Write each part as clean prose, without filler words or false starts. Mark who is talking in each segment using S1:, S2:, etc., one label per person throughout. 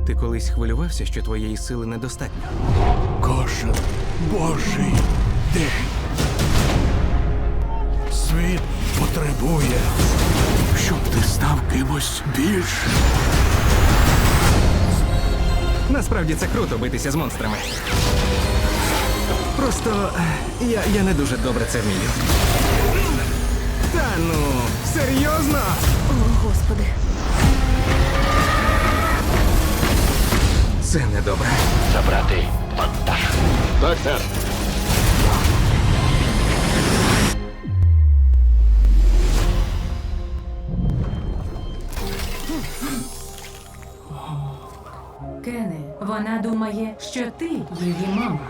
S1: Ти колись хвилювався, що твоєї сили недостатньо?
S2: Кожен Божий день. Світ потребує, щоб ти став кимось більшим.
S1: Насправді це круто битися з монстрами. Просто я не дуже добре це вмію. Та ну, серйозно?
S3: О, Господи.
S1: Це недобре.
S4: Забрати вантаж. Так, сер.
S5: Кене, вона думає, що ти її мама.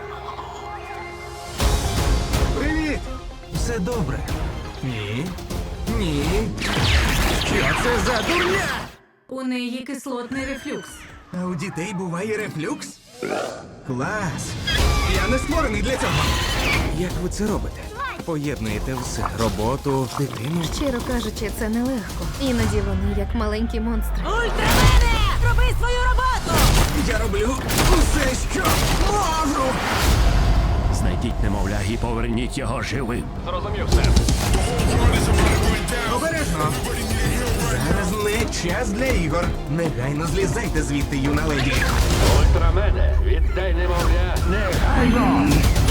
S1: Привіт! Все добре. Ні. Ні. Що це за дурня?
S5: У неї кислотний рефлюкс.
S1: А у дітей буває рефлюкс? Клас! Я не створений для цього. Як ви це робите? Поєднуєте все. Роботу, дитину.
S3: Щиро кажучи, це нелегко. Іноді вони як маленькі монстри.
S5: Ультрамене! Роби свою роботу!
S1: Я роблю усе, що можу!
S4: Знайдіть немовля і поверніть його живим. Зрозумів, сер.
S1: Обережно! Зараз не час для ігор. Негайно злізайте звідти, юна леді.
S4: Ультрамене, віддай немовля негайно.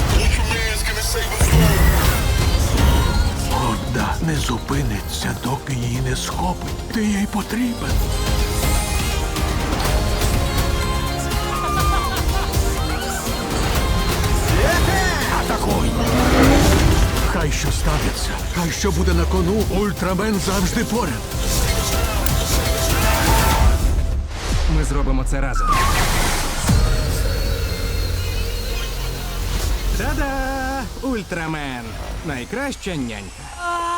S2: Одна не зупиниться, доки її не схопить. Ти їй потрібен. Атакуй! Хай що станеться, хай що буде на кону, Ультрамен завжди поряд.
S1: Ми зробимо це разом. Та-да! Ультрамен! Найкраща нянька.